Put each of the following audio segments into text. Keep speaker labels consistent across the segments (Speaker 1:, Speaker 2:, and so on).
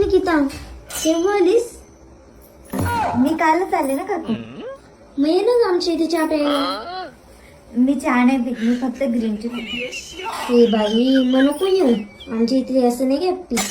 Speaker 1: निकिता केव्हा आलीस?
Speaker 2: मी कालच आले ना काकू.
Speaker 1: मग ये ना आमच्या इथे चहा प्यायला.
Speaker 2: मी चहा नाही पित, मी फक्त ग्रीन टी पिते.
Speaker 1: ए बाई मग नको येऊ, आमच्या इथे असं नाही घ्या पी.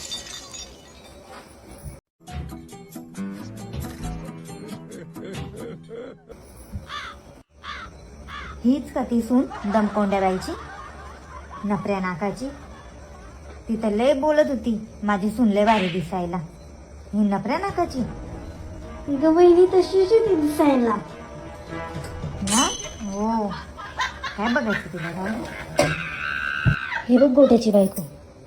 Speaker 2: हीच का ती सून दमकोंड्या बाईची, नपऱ्या नाकाची? ती तर लय बोलत होती माझी सून लय भारी दिसायला. ही नपऱ्या नाकाची
Speaker 1: ग बहिणी तशीच आहे ती दिसायला
Speaker 2: ना. हो, काय बघायचं तिला? काय
Speaker 1: हे बघ गोट्याची बायको.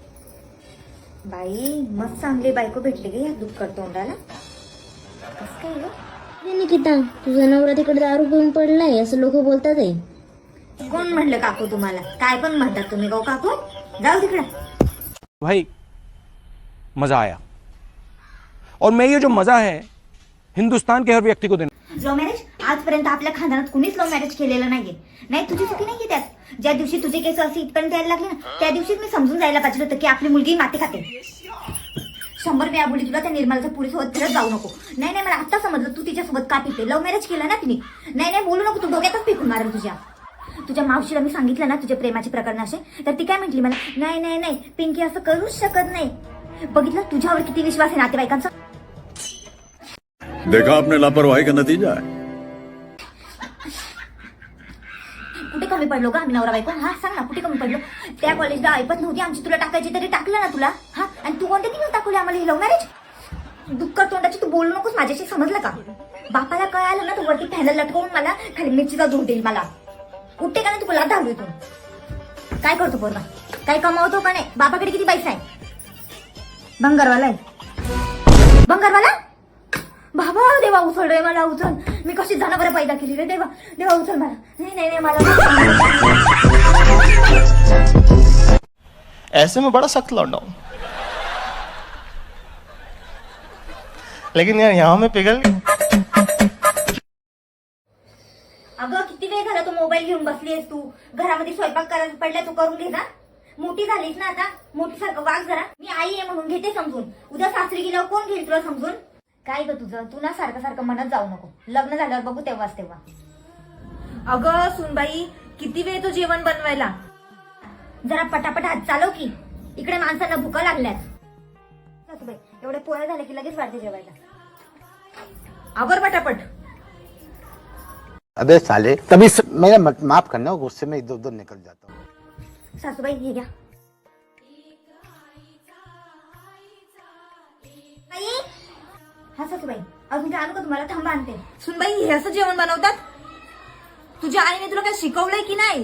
Speaker 2: बाई मस्त चांगली बायको भेटली गे या दुःखकर तोंडाला. कसं काय ग?
Speaker 1: ए निकिता, तुझा नवरा तिकडे दारू घेऊन पडलाय असं लोक बोलतात आहे.
Speaker 2: कोण म्हणलं काकू तुम्हाला? काय पण म्हणतात तुम्ही गो काकू? जाऊ तिकडे.
Speaker 3: भाई मजा आया, और मैं ये जो मजा है हिंदुस्तान के हर व्यक्ति को देना.
Speaker 2: लव्ह मॅरेज आजपर्यंत आपल्या खानदानात कुणीच लव्ह मॅरेज केलेलं नाहीये. नाही तुझी चुकी नाहीये त्यात. ज्या दिवशी तुझे केस असे इथपर्यंत यायला लागले ना, त्या दिवशीच मी समजून जायला पाहिजे होतं की आपली मुलगी माती खाते. 100 वेळा बोलली तुला त्या निर्मलाच्या पुरीसोबत फिरत जाऊ नको. नाही नाही, मला आता समजलं तू तिच्यासोबत का पिते. लव्ह मॅरेज केलं ना तिने. नाही नाही बोलू नको, तू डोक्यातच पिकून मारेल तुझ्या मावशीला मी सांगितलं ना तुझे प्रेमाचे प्रकरण असे, तर ती काय म्हटली मला, नाही नाही नाही पिंकी असं करूच शकत नाही. बघितलं तुझ्यावर किती विश्वास आहे नातेवाईकांचा.
Speaker 4: देखा आपने लापरवाही का नतीजा है.
Speaker 2: कुठे कमी पडलो का आम्ही नवरा बायको? हा सांग ना, कुठे कमी पडलो? त्या कॉलेजला ऐपत नव्हती आमची, तुला टाकायची तरी टाकलं ना तुला. हा, आणि तू कोणत्या दिवस टाकवली आम्हाला ही लव्ह मॅरेज? दुःख तोंडाची तू बोलू नकोस माझ्याशी, समजलं का? बापाला काय आलं ना, तू वरती फॅनल लटकवून मला खाली मिरचीचा धूर देईल मला. उठते का नाही तू? बोला धावली तू. काय करतो पोरगा? काय कमावतो का नाही? बापाकडे किती पैसा आहे? भंगारवाला आहे. भंगारवाला? बाबा देवा उचल रे मला, उचल. मी कशी जनावरं पैदा केली रे देवा. देवा उचल मला. नाही नाही नाही मला.
Speaker 5: ऐसे में बड़ा सख्त लौंडा हूं, लेकिन यार यहाँ में पिघल गई.
Speaker 2: अगं किती वेळ झाला तू मोबाईल घेऊन बसलीस. तू घरामध्ये स्वयंपाक करायला पडला, तू करून घे ना. मोठी झालीस ना आता, मोठीसारखं वाग जरा. मी आई आहे म्हणून घेते समजून. उद्या सासरी गेल्यावर कोण घेईल तुला समजून? काय ग तुझं? तू ना सारखं सारखं म्हणत जाऊ नको. लग्न झाल्यावर बघू तेव्हाच तेव्हा.
Speaker 6: अगं सुनबाई, किती वेळ तो जेवण बनवायला?
Speaker 2: जरा पटापट हात चालव की, इकडे माणसांना भुका लागल्यात. सासूबाई एवढे पोळ्या झाले की लगेच वाढते जेवायला.
Speaker 6: आवर पटापट.
Speaker 7: अबे साले, तभी मेरा माफ करना, गुस्से में इधर उधर निकल जाता हूँ.
Speaker 2: सासूबाई हे घ्या. हा सासूबाई अजून काय आणू का तुम्हाला? थांबा आणते.
Speaker 6: सुनबाई, हे असं जेवण बनवतात? तुझ्या आईने तुला काय शिकवलंय की नाही?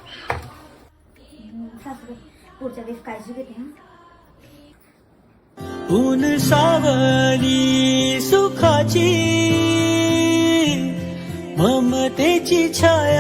Speaker 2: सासूबाई पुढच्या वेळेस काळजी घेते. हा
Speaker 8: ऊन सावली सुखाची ममतेची छाया.